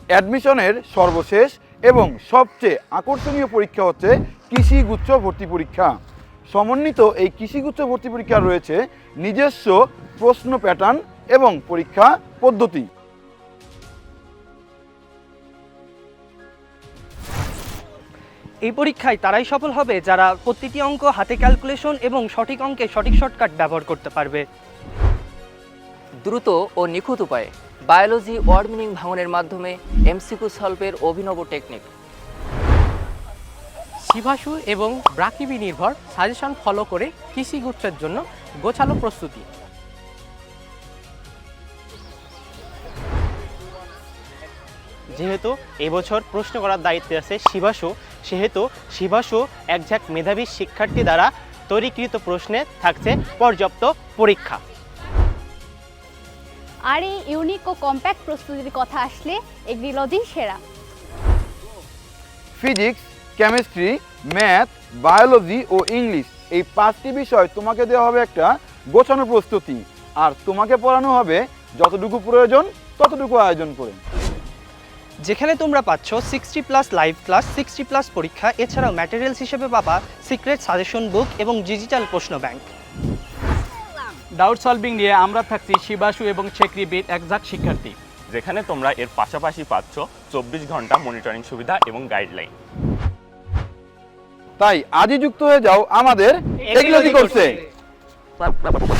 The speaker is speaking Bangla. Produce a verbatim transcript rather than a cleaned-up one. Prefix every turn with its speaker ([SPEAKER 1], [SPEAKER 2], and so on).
[SPEAKER 1] অ্যাডমিশনের সর্বশেষ এবং সবচেয়ে আকর্ষণীয় পরীক্ষা হচ্ছে কৃষিগুচ্ছ ভর্তি পরীক্ষা। সমন্বিত এই কৃষিগুচ্ছ ভর্তি পরীক্ষা রয়েছে নিজস্ব প্রশ্ন প্যাটার্ন এবং পরীক্ষা পদ্ধতি।
[SPEAKER 2] এই পরীক্ষায় তারাই সফল হবে যারা প্রতিটি অঙ্ক হাতে ক্যালকুলেশন এবং সঠিক অঙ্কে সঠিক শর্টকাট ব্যবহার করতে পারবে।
[SPEAKER 3] দ্রুত ও নিখুঁত উপায়ে বায়োলজি ওয়ার্ড মিনিং ভাঙনের মাধ্যমে এমসিকিউ সলভের অভিনব টেকনিক।
[SPEAKER 4] শিভাসু এবং ব্রাকিবি নির্ভর সাজেশন ফলো করে কৃষিগুচ্ছের জন্য গোছালো প্রস্তুতি।
[SPEAKER 5] যেহেতু এবছর প্রশ্ন করার দায়িত্বে আছে শিভাসু, সেহেতু শিভাসু একঝাঁক মেধাবী শিক্ষার্থী দ্বারা তৈরিকৃত প্রশ্নে থাকছে পর্যাপ্ত পরীক্ষা।
[SPEAKER 6] আর এই ইউনিক ও কম্প্যাক্ট প্রস্তুতির কথা আসলে এগ্রিলজি সেরা।
[SPEAKER 1] ফিজিক্স, কেমিস্ট্রি, ম্যাথ, বায়োলজি ও ইংলিশ এই পাঁচটি বিষয় তোমাকে দেওয়া হবে একটা গোছানো প্রস্তুতি, আর তোমাকে পড়ানো হবে যতটুকু প্রয়োজন ততটুকু আয়োজন করে।
[SPEAKER 2] যেখানে তোমরা পাচ্ছ sixty plus live class, sixty plus পরীক্ষা, এছাড়াও ম্যাটেরিয়ালস হিসেবে পাবা সিক্রেট সাজেশন বুক এবং ডিজিটাল প্রশ্ন ব্যাংক।
[SPEAKER 7] ডাউট সলভিং নিয়ে আমরা থাকছি শিবাসু এবং চেকরিবির একজাক শিক্ষার্থী,
[SPEAKER 8] যেখানে তোমরা এর পাশাপাশি পাচ্ছ চব্বিশ ঘন্টা মনিটরিং সুবিধা এবং গাইডলাইন।
[SPEAKER 1] তাই আজই যুক্ত হয়ে যাও আমাদের এগ্রিলজি কোর্সে।